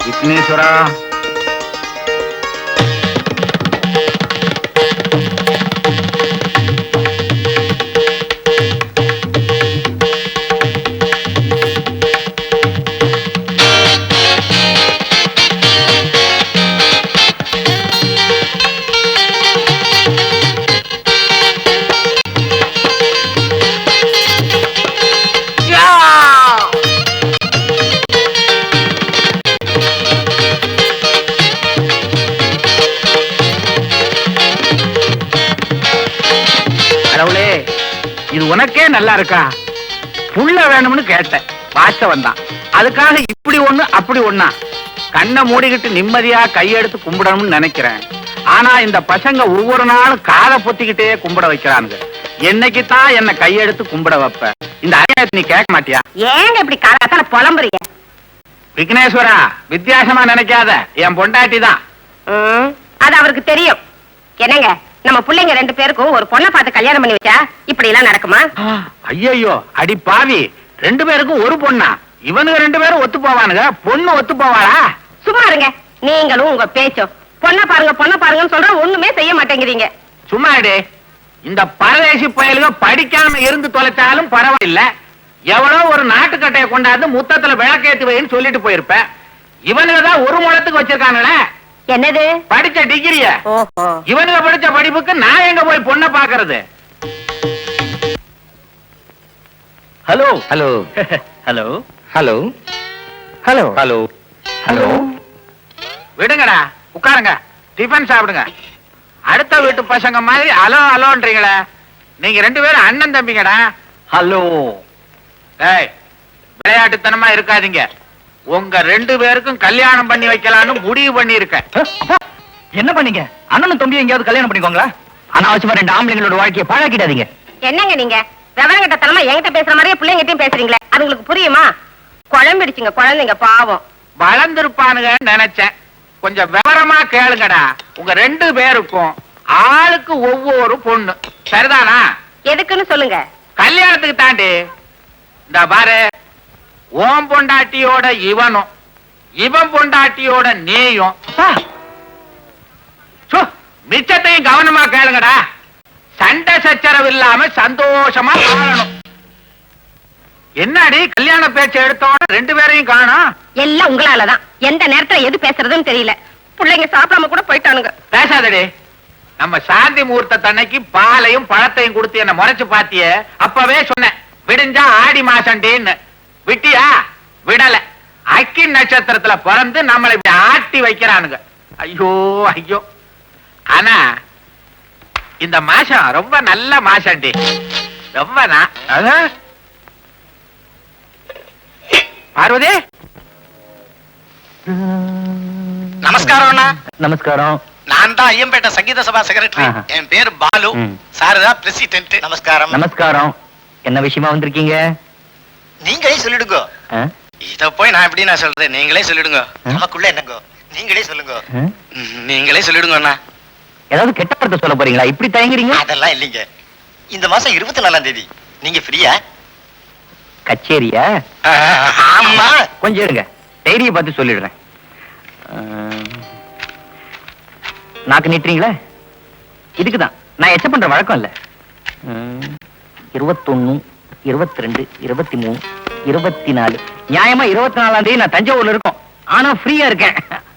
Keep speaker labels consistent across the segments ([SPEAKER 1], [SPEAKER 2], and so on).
[SPEAKER 1] விக்னேஸ்வரா, இது உனக்கே நல்லா இருக்கா? புள்ள வேணும்னு கேட்டேன், வாஸ்தவன் தான். அதுக்காக இப்படி ஒண்ணு அப்படி ஒண்ணா? கண்ணை மூடிக்கிட்டு நிம்மதியா கையெடுத்து கும்பிடணும்னு நினைக்கிறேன். ஆனா இந்த பசங்க ஒவ்வொரு நாளும் காதை பொத்திக்கிட்டே கும்பிட வைக்கிறாங்க. என்னைக்கு தான் என்ன கையெடுத்து கும்பிட வைப்ப? இந்த அநியாயத்தை நீ கேட்க மாட்டியா?
[SPEAKER 2] ஏங்க இப்படி காலத்தால புலம்புறீங்க?
[SPEAKER 1] விக்னேஸ்வரா, வித்தியாசமா நினைக்காத, என் பொண்டாட்டி தான்.
[SPEAKER 2] அது அவருக்கு தெரியும். என்னங்க, நம்ம பிள்ளைங்க 2 பேருக்கும் ஒரு பொண்ணை பார்த்து கல்யாணம் பண்ணி வச்சா இப்படி எல்லாம் நடக்குமா?
[SPEAKER 1] ஐயோ, அடி பாவி, 2 பேருக்கும் ஒரு பொண்ணா? இவனுங்க 2 பேரும் ஒத்து போவானுங்க, பொண்ணு ஒத்து போவாளா?
[SPEAKER 2] சும்மா இருங்க, நீங்களும் உங்க பேச்சும். பொண்ணை பாருங்கன்னு சொல்ற, ஒண்ணுமே செய்ய மாட்டேங்கிறீங்க.
[SPEAKER 1] சும்மா இரு. இந்த பரதேசி பயலுக படிக்காம இருந்து தொலைச்சாலும் பரவாயில்ல. எவ்வளோ ஒரு நாட்டுக்கட்டையை கொண்டாந்து முத்தத்துல விளக்கேத்தி வைன்னு சொல்லிட்டு போயிருப்ப. இவனுங்க தான் ஒரு முழத்துக்கு வச்சிருக்கானுங்களே.
[SPEAKER 2] என்னது?
[SPEAKER 1] படிச்ச டிகிரிய. இவனுங்க படிச்ச படிப்புக்கு நான் எங்க போய் பொண்ணை பாக்குறது? Hello hello hello hello hello hello hello. விடுங்கடா, உட்காருங்க, டிஃபன் சாப்பிடுங்க. அடுத்த வீட்டு பசங்க மாதிரி அலோ அலோன்றீங்களே. நீங்க 2 பேரும் அண்ணன் தம்பிங்கடா. ஹலோ. ஏய், விளையாட்டுத்தனமா இருக்காதீங்க. உங்க 2 பேருக்கும் கல்யாணம் பண்ணி வைக்கலாம்னு முடிவு பண்ணி இருக்கேன்.
[SPEAKER 3] என்ன பண்ணீங்க? அண்ணனும் தம்பி எங்கேயாவது கல்யாணம் பண்ணிக்கோங்களா? அனாவசியமா 2 ஆம்பளைங்களோட வாழ்க்கையை பாழாக்கிடாதீங்க.
[SPEAKER 2] என்னங்க நீங்க விவரங்கட்ட தனமா என்கிட்ட பேசுற மாதிரியே பிள்ளைங்கிட்டையும் பேசுறீங்களே, அது உங்களுக்கு புரியுமா? குழம்பிடுச்சுங்க குழந்தைங்க, பாவம்.
[SPEAKER 1] வளர்ந்துருப்பானுங்கன்னு நினைச்சேன். கொஞ்சம் விவரமா கேளுங்கடா. உங்க 2 பேருக்கும் ஆளுக்கு ஒவ்வொரு பொண்ணு, சரிதானா?
[SPEAKER 2] எதுக்குன்னு சொல்லுங்க.
[SPEAKER 1] கல்யாணத்துக்கு தாண்டி. இந்த பாரு, ஓம் பொண்டாட்டியோட இவனும் இவன் பொண்டாட்டியோட நீயும் மிச்சத்தையும் கவனமா கேளுங்கடா. சண்டை சச்சரவு இல்லாம சந்தோஷமா வாழணும். என்னடி கல்யாண பேச்சு எடுத்தோட 2 பேரையும் காணோம்?
[SPEAKER 2] எல்லாம் உங்களாலதான். எந்த நேரத்துல எது பேசுறதுன்னு தெரியல. பிள்ளைங்க சாப்பிடாம கூட போயிட்டானுங்க.
[SPEAKER 1] பேசாதடி. நம்ம சாந்தி முகூர்த்த தன்னைக்கு பாலையும் பழத்தையும் கொடுத்து என்ன முறைச்சு பாத்திய. அப்பவே சொன்னேன், விடிஞ்சா ஆடி மாசண்டின்னு. விட்டியா? விடல. அக்கி நட்சத்திரத்துல பிறந்து நம்மளை இப்படி ஆட்டி வைக்கிறானுங்க. ஐயோ ஐயோ. ஆனா இந்த மாசம் ரொம்ப நல்ல மாசண்டி. ரொம்ப பார்வதி.
[SPEAKER 3] நமஸ்காரம். நமஸ்காரம்.
[SPEAKER 4] நான் தான் ஐயம்பேட்டை சங்கீத சபா செக்ரட்டரி. என் பேரு பாலு. சார் தான் பிரசிடென்ட். நமஸ்காரம்.
[SPEAKER 3] நமஸ்காரம். என்ன விஷயமா வந்திருக்கீங்க?
[SPEAKER 4] நீங்களே சொல்லிடுங்க. இத போய் நான் எப்படி நான் சொல்றது? நீங்களே சொல்லிடுங்க. நமக்குள்ள என்னங்க? நீங்களே சொல்லுங்க. நீங்களே சொல்லிடுங்க அண்ணா.
[SPEAKER 3] ஏதாவது கெட்ட வார்த்தை சொல்ல போறீங்களா? இப்படி தயங்குறீங்க?
[SPEAKER 4] அதெல்லாம் இல்லைங்க. இந்த மாசம் 24ஆம் தேதி நீங்க ஃப்ரீயா?
[SPEAKER 3] கச்சேரியா?
[SPEAKER 4] ஆமா.
[SPEAKER 3] கொஞ்சம் இருங்க, டைரியை பார்த்து சொல்லிடுறேன். நாக்கு நீட்டுறீங்களா? இதுக்குதான் நான் எச்ச பண்ற வழக்கம் இல்ல. 21, 22, 23, 24. நியாயமா 24ஆம் தேதி நான் தஞ்சாவூர்ல இருக்கோம். ஆனா ஃப்ரீயா இருக்கேன்.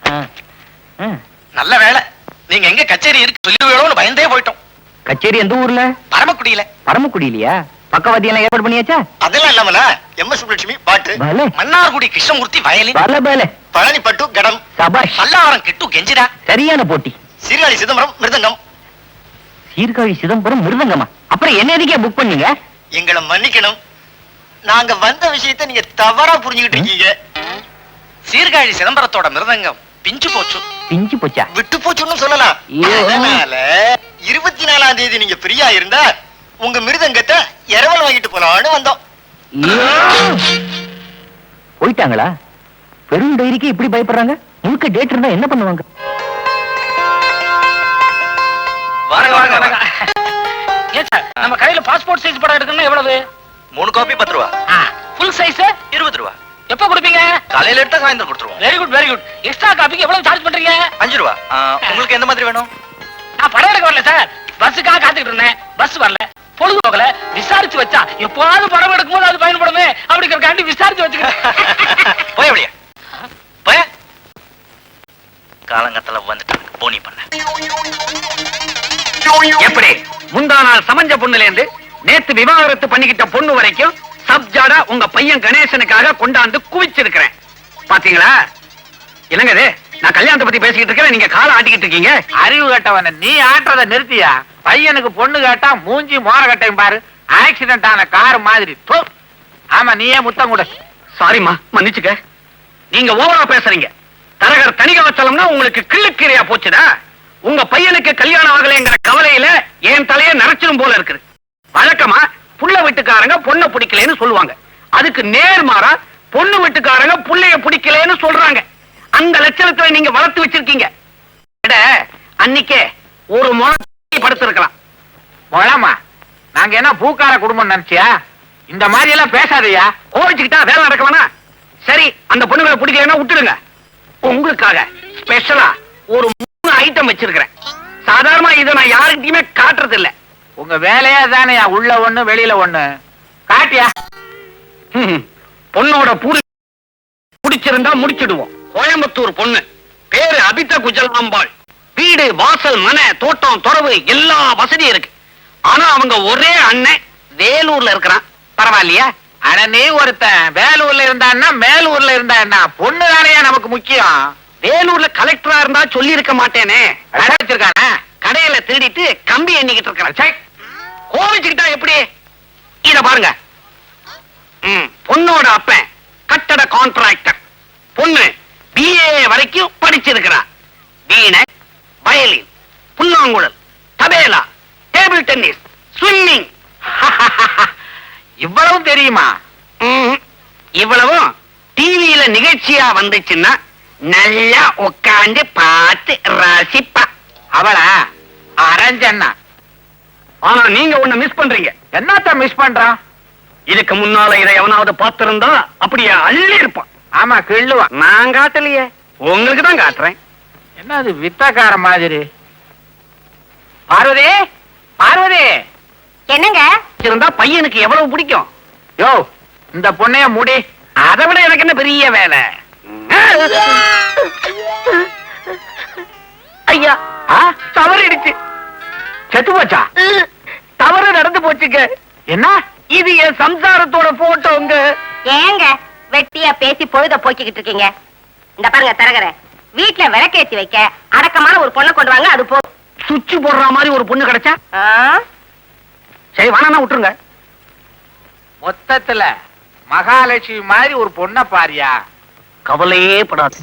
[SPEAKER 4] நல்ல வேலை. நீங்க எங்க கச்சேரி இருக்கு சொல்லுவீங்களோன்னு பயந்தே போயிட்டோம்.
[SPEAKER 3] கச்சேரி எந்த ஊர்ல?
[SPEAKER 4] பரமக்குடியில.
[SPEAKER 3] பரமக்குடியிலையா? பக்கவாதி எல்லாம் ஏற்பாடு பண்ணியாச்சா?
[SPEAKER 4] அதெல்லாம் இல்லாமல எம்.எஸ். சுப்புலட்சுமி பாட்டு, மன்னார்குடி கிருஷ்ணமூர்த்தி வயலின், பழனி பட்டு கடம்,
[SPEAKER 3] சபாஷ்,
[SPEAKER 4] பல்லாவரம் கிட்டு கெஞ்சிரா.
[SPEAKER 3] சரியான போட்டி.
[SPEAKER 4] சீர்காழி சிதம்பரம் மிருதங்கம்.
[SPEAKER 3] சீர்காழி சிதம்பரம் மிருதங்கமா? அப்புறம் என்ன எதுக்கே புக் பண்ணீங்க?
[SPEAKER 4] எங்களை மன்னிக்கணும், நாங்க வந்த விஷயத்தை நீங்க தவறா புரிஞ்சுக்கிட்டு இருக்கீங்க. சீர்காழி சிதம்பரத்தோட மிருதங்கம் பிஞ்சு போச்சு.
[SPEAKER 3] பிஞ்சு போச்சா?
[SPEAKER 4] விட்டு போச்சுன்னு சொல்லலாம். அதனால 24ஆம் தேதி நீங்க ஃப்ரீயா இருந்தா உங்க மிருதங்கத்தை இரவல் வாங்கிட்டு போலான்னு வந்தோம்.
[SPEAKER 3] போயிட்டாங்களா? பெரும் டைரிக்கு இப்படி பயப்படுறாங்க. முழுக்க டேட் இருந்தா என்ன பண்ணுவாங்க?
[SPEAKER 1] நம்ம கையில பாஸ்போர்ட் சைஸ் படம் எடுக்கணும்னா எவ்வளவு?
[SPEAKER 4] 3 காப்பி 10 ரூபா.
[SPEAKER 1] ஃபுல் சைஸ்
[SPEAKER 4] 20 ரூபா.
[SPEAKER 1] எப்ப கொடுப்பீங்க?
[SPEAKER 4] காலையில எடுத்தா சாயந்தரம் கொடுத்துருவோம்.
[SPEAKER 1] Very good very good. Extra காப்பிக்கு எவ்வளவு சார்ஜ் பண்றீங்க?
[SPEAKER 4] 5 ரூபா. உங்களுக்கு எந்த மாதிரி வேணும்?
[SPEAKER 1] நான் படம் எடுக்க வரல சார், பஸ்ஸுக்காக காத்துக்கிட்டு இருந்தேன். பஸ் வரல, பொழுது போகல, விசாரிச்சு வச்சா எப்போது படம் எடுக்கும் போது அது பயன்படுமே அப்படிங்கிறக்காண்டி விசாரிச்சு வச்சுக்கிறேன்.
[SPEAKER 4] போய் அப்படியே போய் காலங்கத்துல வந்துட்டாங்க போனி பண்ண.
[SPEAKER 3] எப்படி முந்தா நாள் சமஞ்ச பொண்ணுல இருந்து நேத்து விவாகரத்து பண்ணிக்கிட்ட பொண்ணு வரைக்கும் சப்ஜாடா உங்க பையன் கணேசனுக்காக கொண்டாந்து குவிச்சிருக்கிறேன். பாத்தீங்களா? என்னங்க இது? நான் கல்யாணத்தை பத்தி பேசிக்கிட்டு இருக்கேன், நீங்க காலை ஆட்டிக்கிட்டு இருக்கீங்க.
[SPEAKER 1] அறிவு கட்டவன நீ ஆட்டுறத நிறுத்தியா? பையனுக்கு பொண்ணு கேட்டா மூஞ்சி மோர கட்டையும் பாரு, ஆக்சிடென்ட் ஆன கார் மாதிரி. ஆமா, நீயே முத்தம் கூட.
[SPEAKER 3] சாரிம்மா, மன்னிச்சுக்க. நீங்க ஓவரா பேசுறீங்க. தரகர் தணிகாச்சலம்னா உங்களுக்கு கிள்ளுக்கீரையா போச்சுடா. உங்க பையனுக்கு கல்யாணம் ஆகலைங்கிற கவலையில என் தலையை நரைச்சிடும் போல இருக்குது. வழக்கமா புள்ள வீட்டுக்காரங்க பொண்ணை பிடிக்கலன்னு சொல்லுவாங்க, அதுக்கு நேர்மாறா பொண்ணு வீட்டுக்காரங்க புள்ளைய பிடிக்கலன்னு சொல்றாங்க. அந்த லட்சணத்துல நீங்க வளர்த்து வச்சிருக்கீங்க. அன்னைக்கே ஒரு முறை படுத்திருக்கலாம்.
[SPEAKER 1] மொழமா, நாங்க என்ன பூக்கார குடும்பம் நினைச்சியா? இந்த மாதிரி எல்லாம் பேசாதயா.
[SPEAKER 3] கோவிச்சுக்கிட்டா வேலை நடக்கலனா சரி, அந்த பொண்ணுங்களை பிடிக்கலன்னா விட்டுடுங்க. உங்களுக்காக ஸ்பெஷலா ஒரு 3 ஐட்டம் வச்சிருக்கிறேன். சாதாரணமா இதை நான் யாருக்கிட்டயுமே காட்டுறது இல்ல.
[SPEAKER 1] உங்க வேலையா தானே, உள்ள ஒண்ணு வெளியில ஒண்ணு. காட்டியா?
[SPEAKER 3] பொண்ணோட பிடிச்சிருந்தா முடிச்சிடுவோம். கோயம்புத்தூர் பொண்ணு, பேரு அபித குஜலாம்பாள். வீடு, வாசல், மனை, தோட்டம், துறவு எல்லா வசதியும் இருக்கு. ஆனா அவங்க ஒரே அண்ணன் வேலூர்ல இருக்கிறான். பரவாயில்லையா?
[SPEAKER 1] ஆனா நீ ஒருத்தன் வேலூர்ல இருந்தான்னா மேலூர்ல இருந்தா என்ன? பொண்ணு தானே நமக்கு முக்கியம்.
[SPEAKER 3] வேலூர்ல கலெக்டரா இருந்தா சொல்லி இருக்க மாட்டேனே.
[SPEAKER 1] வச்சிருக்கானே
[SPEAKER 3] கடையில திருடிட்டு கம்பி எண்ணிக்கிட்டு இருக்கிறேன். கோவிச்சுக்கிட்டா எப்படி? இத பாருங்க. பொண்ணோட அப்பன் கட்டட கான்ட்ராக்டர், பொண்ணு BA வரைக்கும் படிச்சிருக்கிறா. வீணை, வயலின், புல்லாங்குழல், தபேலா, டேபிள் டென்னிஸ், ஸ்விம்மிங்.
[SPEAKER 1] இவ்வளவும் தெரியுமா?
[SPEAKER 3] இவ்வளவும் டிவியில நிகழ்ச்சியா வந்துச்சுன்னா நல்லா உட்காந்து பார்த்து ரசிப்பா.
[SPEAKER 1] அவளா அரஞ்சண்ணா.
[SPEAKER 3] ஆனா நீங்க ஒண்ணு மிஸ் பண்றீங்க.
[SPEAKER 1] என்னத்த மிஸ் பண்றான்?
[SPEAKER 3] இதுக்கு முன்னால இதை எவனாவது பார்த்திருந்தா அப்படியே அள்ளி இருப்பான்.
[SPEAKER 1] ஆமா, கிள்ளுவா.
[SPEAKER 3] நான் காட்டலையே, உங்களுக்கு தான் காட்டுறேன்.
[SPEAKER 1] என்ன அது வித்தக்கார மாதிரி? பார்வதி, பார்வதி.
[SPEAKER 2] என்னங்க?
[SPEAKER 3] இருந்தா பையனுக்கு எவ்வளவு பிடிக்கும்?
[SPEAKER 1] யோ, இந்த பொண்ணைய முடி.
[SPEAKER 3] அதை விட எனக்கு என்ன பெரிய வேலை? ஐயா, தவறிடுச்சு.
[SPEAKER 1] செத்து போச்சா?
[SPEAKER 3] தவறு நடந்து போச்சுங்க.
[SPEAKER 1] என்ன
[SPEAKER 3] இது என் சம்சாரத்தோட போட்டோங்க.
[SPEAKER 2] ஏங்க வெட்டியா பேசி பொழுத போக்கிக்கிட்டு இருக்கீங்க? இந்த பாருங்க தரகர, வீட்டுல விளக்கேத்தி வைக்க அடக்கமான ஒரு பொண்ணை கொண்டு வாங்க. அது போதும்.
[SPEAKER 3] சுவிட்ச் போடுற மாதிரி ஒரு பொண்ணு கிடைச்சா சரி, வேணா விட்டுருங்க.
[SPEAKER 1] மொத்தத்துல மகாலட்சுமி மாதிரி ஒரு பொண்ணை பாரியா.
[SPEAKER 3] கவலையே படாது.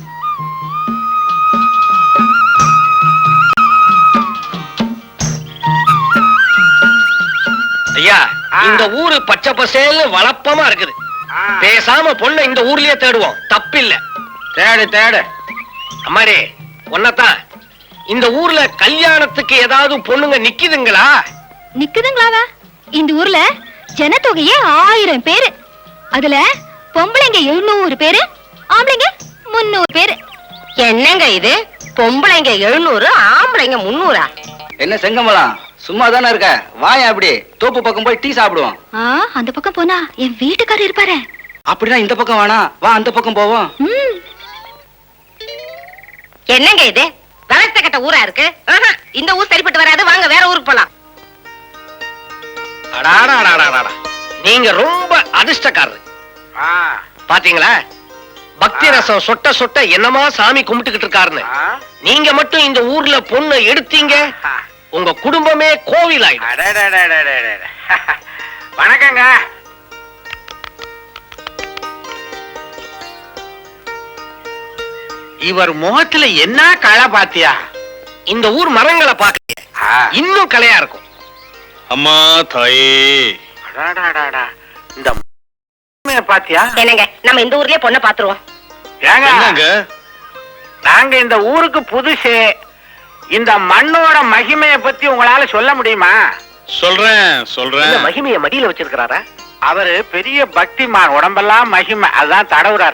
[SPEAKER 3] ஐயா, இந்த ஊரு பச்சை பசேல்னு வளப்பமா இருக்குது. பேசாம பொண்ணை இந்த ஊர்லயே தேடுவோம், தப்பில்ல. தேடு தேடு. அம்மாடி, ஒன்னதான் இந்த ஊர்ல கல்யாணத்துக்கு ஏதாவது பொண்ணுங்க நிக்குதுங்களா?
[SPEAKER 5] நிக்குதுங்களாவா? இந்த ஊர்ல ஜனத்தொகையே 1000 பேரு. அதுல பொம்பளைங்க 700 பேரு, ஆம்பளைங்க 300 பேரு.
[SPEAKER 2] என்னங்க இது? பொம்பளைங்க 700, ஆம்பளைங்க 300.
[SPEAKER 6] என்ன செங்கமலம், சும்மா தானே இருக்க? வாயா, அப்படி தோப்பு பக்கம் போய் டீ சாப்பிடுவோம்.
[SPEAKER 5] அந்த பக்கம் போனா என் வீட்டுக்காரர் இருப்பாரு.
[SPEAKER 6] அப்படின்னா இந்த பக்கம் வேணாம், வா அந்த பக்கம் போவோம்.
[SPEAKER 2] என்னங்க இது? கலத்த கட்ட ஊரா இருக்கு. இந்த ஊர் சரிப்பட்டு வராது, வாங்க வேற ஊருக்கு போலாம்.
[SPEAKER 3] நீங்க ரொம்ப அதிர்ஷ்டக்காரரு. பாத்தீங்களா, பக்தி ரசம் சொட்ட சொட்ட என்னமா சாமி கும்பிட்டுக்கிட்டு இருக்காருன்னு. நீங்க மட்டும் இந்த ஊர்ல பொண்ணு எடுத்தீங்க, உங்க குடும்பமே கோவில் ஆயிடும்.
[SPEAKER 1] வணக்கங்க. இவர் முகத்துல என்ன களை பாத்தியா?
[SPEAKER 3] இந்த ஊர் மரங்களை பார்க்க இன்னும் கலையா இருக்கும்.
[SPEAKER 4] அம்மா தாயே,
[SPEAKER 1] இந்த பாத்தியா?
[SPEAKER 2] என்னங்க, நம்ம இந்த ஊர்லயே பொண்ணை பாத்துருவோம்.
[SPEAKER 1] ஏங்க, நாங்க இந்த ஊருக்கு புதுசு. இந்த மண்ணோட மகிமையை பத்தி உங்களால சொல்ல முடியுமா?
[SPEAKER 4] சொல்றேன் சொல்றேன்.
[SPEAKER 3] மகிமைய மடியில வச்சிருக்கிறாரா?
[SPEAKER 1] அவரு பெரிய பக்திமான், உடம்பெல்லாம் மகிமை, அதான் தடவுறார்.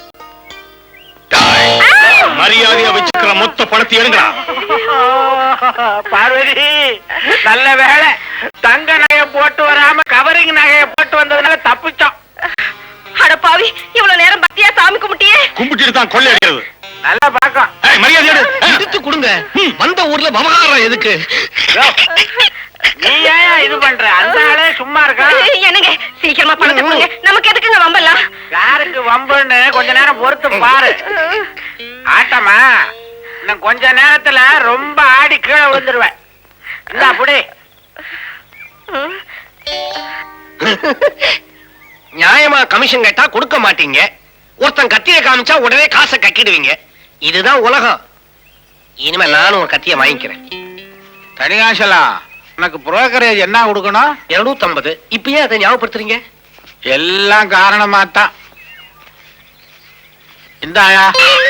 [SPEAKER 3] மரியாதையா வச்சுக்கிற மொத்த பணத்தை எடுங்கடா.
[SPEAKER 1] பார்வதி, நல்ல வேலை தங்க நகையை போட்டு வராம கவரிங் நகையை போட்டு வந்ததுனால தப்பிச்சோம்.
[SPEAKER 2] அட பாவி, இவ்வளவு நேரம் பக்தியா சாமி கும்பிட்டியே.
[SPEAKER 3] கும்பிட்டு தான் கொள்ளை அடிக்கிறது.
[SPEAKER 1] நல்ல பாக்கம்.
[SPEAKER 3] மரியாதை எடுத்து கொடுங்க. வந்த ஊர்ல விவகாரம் எதுக்கு?
[SPEAKER 1] நீ ஏன் இது பண்ற? அந்த ஆளே சும்மா இருக்கா?
[SPEAKER 2] என்னங்க, சீக்கிரமா பணத்தை கொடுங்க. நமக்கு எதுக்குங்க வம்பெல்லாம்?
[SPEAKER 1] யாருக்கு வம்புன்னு கொஞ்ச நேரம் பொறுத்து பாரு. ஆட்டமா இன்னும் கொஞ்ச நேரத்துல ரொம்ப ஆடி கீழே விழுந்துருவேன். இந்த அப்படி
[SPEAKER 3] நியாயமா கமிஷன் கேட்டா கொடுக்க மாட்டீங்க. ஒருத்தன் கத்திய காமிச்சா உடனே காசை கட்டிடுவீங்க. இதுதான் உலகம். இனிமே நானும் ஒரு கத்திய வாங்கிக்கிறேன்.
[SPEAKER 1] தனிகாசலா, உனக்கு புரோக்கரேஜ் என்ன கொடுக்கணும்?
[SPEAKER 3] 250. இப்பயே அதை ஞாபகப்படுத்துறீங்க?
[SPEAKER 1] எல்லாம் காரணமாத்தான். இந்தாயா.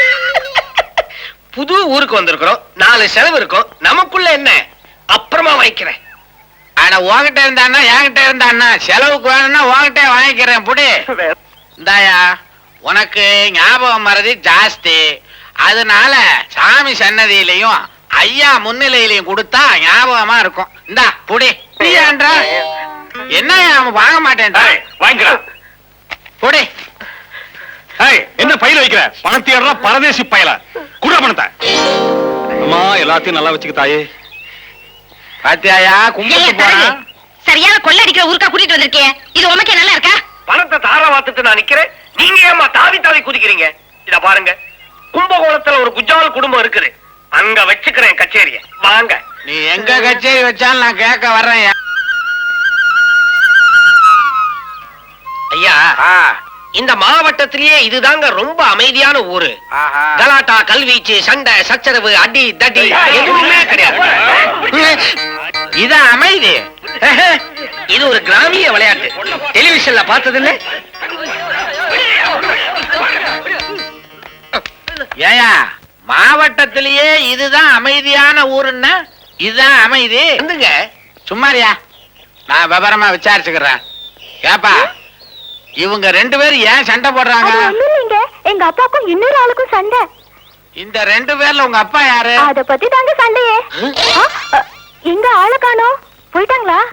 [SPEAKER 3] புது ஊருக்கு வந்திருக்கிறோம், 4 செலவு இருக்கும். நமக்குள்ள என்ன? அப்புறமா வாங்கிக்கிறேன்.
[SPEAKER 1] ஆனா உன்கிட்ட இருந்தான்னா என்கிட்ட இருந்தான்னா செலவுக்கு வேணும்னா உன்கிட்ட வாங்கிக்கிறேன். புடி. இந்தாயா, உனக்கு ஞாபகம் மறதி ஜாஸ்தி. அதனால சாமி சன்னதியிலையும் ஐயா முன்னிலையிலையும் கொடுத்தா ஞாபகமா இருக்கும். இந்தா புடி. என்ன அவன் வாங்க மாட்டேன்.
[SPEAKER 3] வாங்கிக்கலாம்.
[SPEAKER 1] புடி.
[SPEAKER 3] என்ன பையில வைக்கிற? பணத்தையெல்லாம் பரதேசி பையல குடுற பணத்தை. அம்மா, எல்லாத்தையும் நல்லா வச்சுக்க தாயே.
[SPEAKER 1] பாத்தியாயா, கும்பிட்டு போறான்.
[SPEAKER 2] சரியான கொள்ள அடிக்கிற ஊருக்கா கூட்டிட்டு வந்திருக்கே. இது உனக்கே நல்லா இருக்கா?
[SPEAKER 3] பணத்தை தார வாத்துட்டு நான் நிக்கிறேன். நீங்க ஏமா தாவி தாவி குதிக்கிறீங்க? இத பாருங்க, கும்பகோணத்துல ஒரு குஜால் குடும்பம் இருக்குது. அங்க வச்சுக்கிறேன் கச்சேரிய. வாங்க.
[SPEAKER 1] நீ எங்க கச்சேரி வச்சாலும் நான் கேட்க வர்றேன்.
[SPEAKER 3] ஐயா, இந்த மாவட்டத்திலேயே இதுதாங்க ரொம்ப அமைதியான ஊரு. கலாட்டா, கல்வீச்சு, சண்டை, சச்சரவு, அடி தடி எதுவுமே கிடையாது.
[SPEAKER 1] இதான் அமைதி.
[SPEAKER 3] இது ஒரு கிராமிய விளையாட்டு. டெலிவிஷன்ல பார்த்ததில்ல?
[SPEAKER 1] ஏயா, மாவட்டத்திலேயே இதுதான் அமைதியான ஊருன்னா இதுதான் அமைதி.
[SPEAKER 3] வந்துங்க.
[SPEAKER 1] சும்மாரியா, நான் விவரமா விசாரிச்சுக்கிறேன். ஏப்பா, இவங்க 2 பேரும் ஏன் சண்டை போடுறாங்க?
[SPEAKER 5] எங்க அப்பாக்கும் இன்னொரு ஆளுக்கும் சண்டை.
[SPEAKER 1] இந்த 2 பேர்ல உங்க அப்பா யாரு?
[SPEAKER 5] அத பத்தி தாங்க சண்டையே. எங்க ஆளு காணோம், போயிட்டாங்களா?